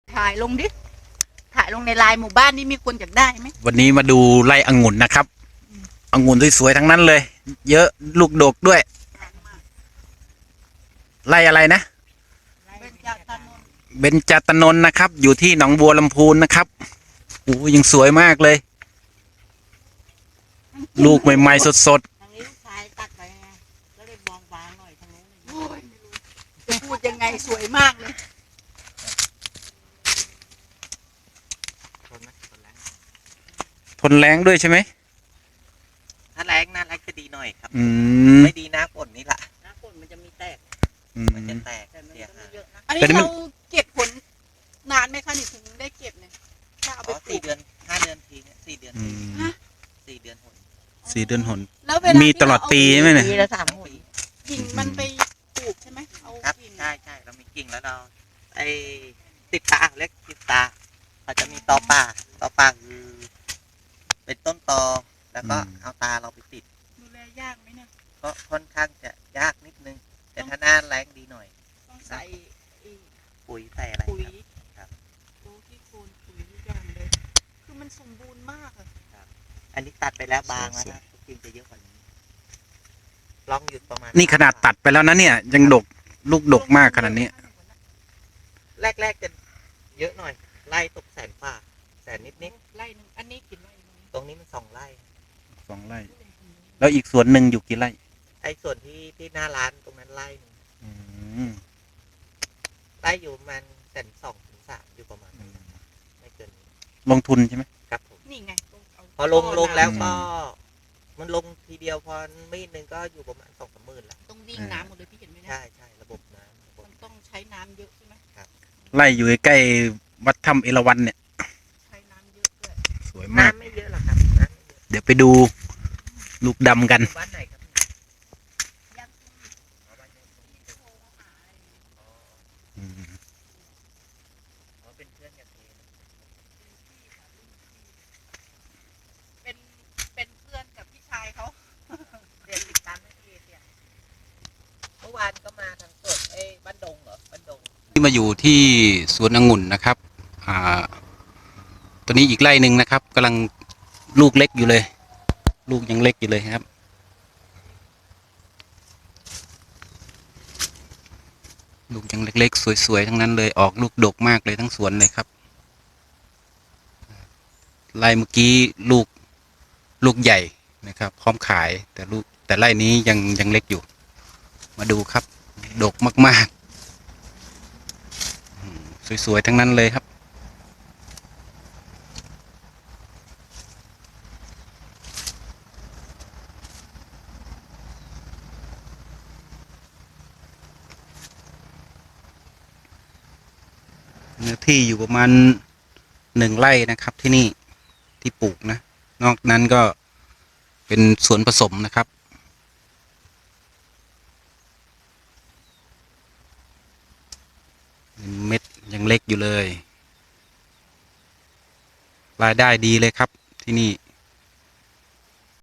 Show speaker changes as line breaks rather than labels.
ถ่ายลงดิถ่ายลงในไลน์หมู่บ้านนี่มีคนอยากได้ไหม
วันนี้มาดูไร่องุ่นนะครับองุ่นสวยๆทั้งนั้นเลย เยอะลูกดกด้วยไร่อะไรนะ
เบญจตนนท์
เบญจตนนท์นะครับ อยู่ที่หนองบัวลำพูนนะครับโอ้ยังสวยมากเลย ลูกใหม่ๆสด
ทางนี้ลูกชายตัดไปไงก็เลยมองบางหน่อยทางนู้น
โอ้ยไม่รู้จะพูดยังไงสวยมากเลย
ๆทนแรงด้วยใช่ไหม
ถ้าแรงน่าแรงจะดีหน่อยครับ
อืม
ไม่ดีนะฝนนี่แหละ
หน้าฝนมันจะมีแตก
มันจะแตก
แต่มัน
เสีย
ก็ไม่
หาย
เยอะนะ
อันนี้
แต่นี่มัน
เราเก็บผลนานไหมคะนี่ถึงได้เก็บเนี่ยถ้าเอาไป
อ๋อ
ปลู
สี่
ก
เดือน5 เดือนทีเนี่ย4 เดือน
อื
ที
ม
4 เดือนหน
4 เดือนหน
แล้วเวลา
มี
ที่
ตลอดปีใช่ไหมเนี่ย
ปีละ3 หน
กิ่งมันไปปลูกใช่ไหมเอา
ครับ
กิ่ง
ใช่ใช่เรามีกิ่งแล้วเราไอ้ติดตาเล็กติดตาเขาจะมีตอป่าคือเป็นต้นตอแล้วก็เอาตาเราไปติด
ดูแลยากไหมเนี่ย
ก็ค่อนข้างจะยากนิดนึง แต่ถ้าหน้าแรงดีหน่อย
ต้องใส่ไอ้
ปุ๋ยใส่อะไร
ปุ๋ย
ครับ
โอ้ที่โคนปุ๋ยทุกอย่างเลยคือมันสมบูรณ์มากอะ
อันนี้ตัดไปแล้วบางแล้วนะกิ่งจะเยอะกว่านี้ลองหยุดประมาณ
นี่ขนาดตัดไปแล้วนะเนี่ย ยังดกลูกดกมากขนาดนี้
แรกๆจะเยอะหน่อย ไล่ตกแสนนิด
ไร่หนึงอันนี้กี่ไร่นะ
ๆตรงนี้มัน2 ไร่
2 ไร่ แล้วอีกสวนหนึ่งอยู่กี่ไร่
ไอ้ส่วนที่หน้าร้านตรงนั้นไร่หนึ่ง
อืม
ไร่อยู่ประมัน1.2 ถึง 3อยู่ประมาณนั้นนะครับไม่เกินนี้
ลงทุนใช่ไหม
ครับผม
นี่ไงต้องเอา
พอลงแล้วก็
อืม
มันลงทีเดียวพอมีดหนึ่งก็อยู่ประมาณ2-3 หมื่นละ
ต้องวิ่งน้ำหมดเลยพี่เห็นไหมนะ
ใช่ระบบน้ำระบบ
มันต้องใช้น้ำเยอะใช่ไหม
ไร่อยู่ใกล้วัดถ้ำเอราวัณเนี่ย
ใช้น้ำเยอะด้วย
สวยมาก
น้ำไม่เยอะหรอกครับน้ำไม่เยอะ
เดี๋ยวไปดูลูกดำกัน
บ้านไหนครับ
ยัง
อ๋อบ้านไหน
โทรหาอะไรอย่างเงี้ย
อืม
อ๋อเป็นเพื่อนกันเอง
เป็นเป็นเพื่อนกับพี่ชายเขา
เรียนติดตามไม่เองเนี่ยเมื่อวานก็มาทางสดบ้านดงเหรอบ้านดง
ที่มาอยู่ที่สวนองุ่นนะครับตัวนี้อีกไร่หนึ่งนะครับกำลังลูกเล็กอยู่เลย ลูกยังเล็กอยู่เลยครับ ลูกยังเล็กๆสวยๆทั้งนั้นเลยออกลูกดกมากเลยทั้งสวนเลยครับไร่เมื่อกี้ลูกใหญ่นะครับ พร้อมขายแต่ไร่นี้ยังเล็กอยู่ มาดูครับ ดกมากๆสวยๆทั้งนั้นเลยครับเนื้อที่อยู่ประมาณ1 ไร่นะครับที่นี่ที่ปลูกนะนอกนั้นก็เป็นสวนผสมนะครับเม็ดยังเล็กอยู่เลยรายได้ดีเลยครับที่นี่